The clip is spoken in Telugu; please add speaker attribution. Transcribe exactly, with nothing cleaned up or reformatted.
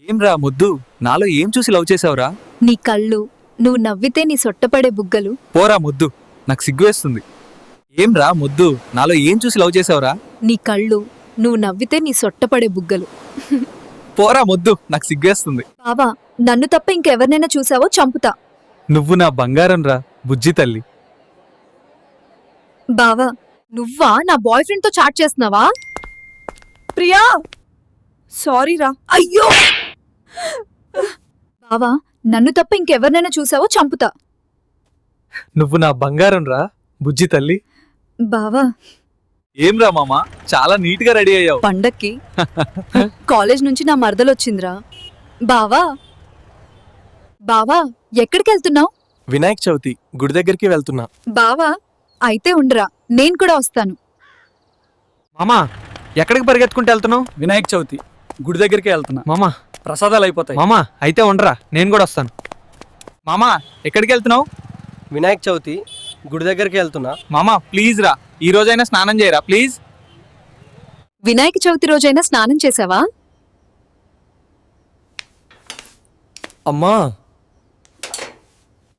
Speaker 1: ఏం రా ముద్దు, నాలో ఏం చూసి లవ్ చేసావురా?
Speaker 2: నీ కళ్ళు, నువ్వు నవ్వితే నీ సొట్టపడే బుగ్గలు.
Speaker 1: పోరా ముద్దు, నాకు సిగ్గువేస్తుంది. ఏం రా ముద్దు, నాలో ఏం చూసి లవ్ చేసావురా?
Speaker 2: నీ కళ్ళు, నువ్వు నవ్వితే నీ సొట్టపడే బుగ్గలు.
Speaker 1: పోరా ముద్దు, నాకు సిగ్గేస్తుంది.
Speaker 2: బావా, నన్ను తప్ప ఇంకెవరినైనా చూసావో చంపుతా.
Speaker 1: నువ్వు నా బంగారం రా బుజ్జి తల్లి.
Speaker 2: బావా, నువ్వా నా బాయ్ ఫ్రెండ్ తో చాట్ చేస్తున్నావా?
Speaker 3: ప్రియా, సారీ రా.
Speaker 2: అయ్యో బావా, నన్ను తప్ప ఇంకెవరినైనా చూసావో చంపుతా.
Speaker 1: నువ్వు నా బంగారం రా బుజ్జి తల్లి.
Speaker 2: బావా,
Speaker 1: ఏం రా మామ, చాలా నీట్ గా రెడీ అయ్యావు.
Speaker 2: పండక్కి కాలేజ్ నుంచి నా మరదలొచ్చిందిరా. బావా బావా, ఎక్కడికి వెళ్తున్నావు?
Speaker 4: వినాయక చవితి గుడి దగ్గరికి వెళ్తున్నా.
Speaker 2: బావా, అయితే ఉండరా, నేను కూడా వస్తాను.
Speaker 5: మామా, ఎక్కడికి పరిగెత్తుకుంటూ వెళ్తున్నావు?
Speaker 6: వినాయక చవితి గుడి దగ్గరికి వెళ్తున్నా.
Speaker 5: మామా
Speaker 6: ప్రసాదాలు అయిపోతాయి.
Speaker 5: మామా అయితే ఉండరా, నేను కూడా వస్తాను.
Speaker 1: మామా, ఎక్కడికి వెళ్తున్నావు?
Speaker 4: వినాయక చవితి గుడి దగ్గరికి వెళ్తున్నా.
Speaker 1: మామా ప్లీజ్ రా, ఈ రోజైనా స్నానం చేయరా ప్లీజ్.
Speaker 2: వినాయక చవితి రోజైనా స్నానం చేసావా?
Speaker 4: అమ్మా